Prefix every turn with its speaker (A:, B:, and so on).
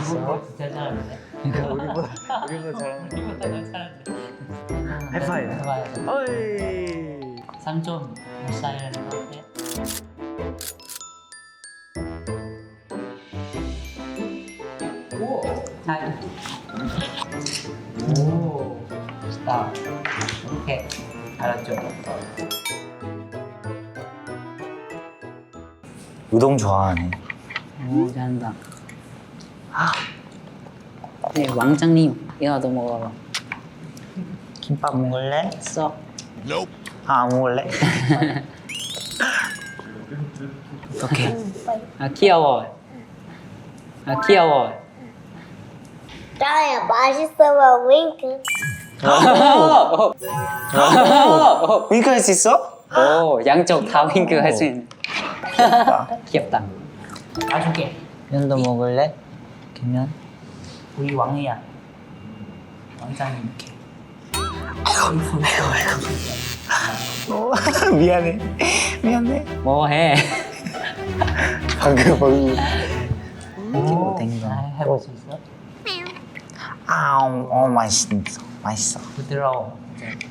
A: 맛있어?
B: 진짜 잘하는데.
A: 우리보다 잘하는.
B: 우리보다 더 잘하는데.
A: 하이파이브.
B: 해봐야죠.
A: 어이.
B: 3점 못 쌓이는 것 같아. 오. 하이. 오. 좋다. 오케이. 알았죠?
A: 우동 좋아하네.
B: 오, 잘한다. 네, 왕장님, 이거도 먹어봐.
A: 김밥 먹을래?
B: 써.
A: 안 먹을래?
B: 오케이. 아, 귀여워. 아, 귀여워.
C: 짜야 맛있어봐 윙크.
A: 윙크 할 수 있어?
B: 오, 양쪽 다 윙크 할 수 있는. 귀엽다. 아줄게.
A: 면도 먹을래? 김면?
B: 우리 왕이야. 왕장님 이렇게.
A: 미안해. 미안해.
B: 뭐해?
A: 방금 거기.
B: 오,
A: 땡겨.
B: 해볼 수 있어?
A: 맛있어. 맛있어.
B: 부드러워. 이제.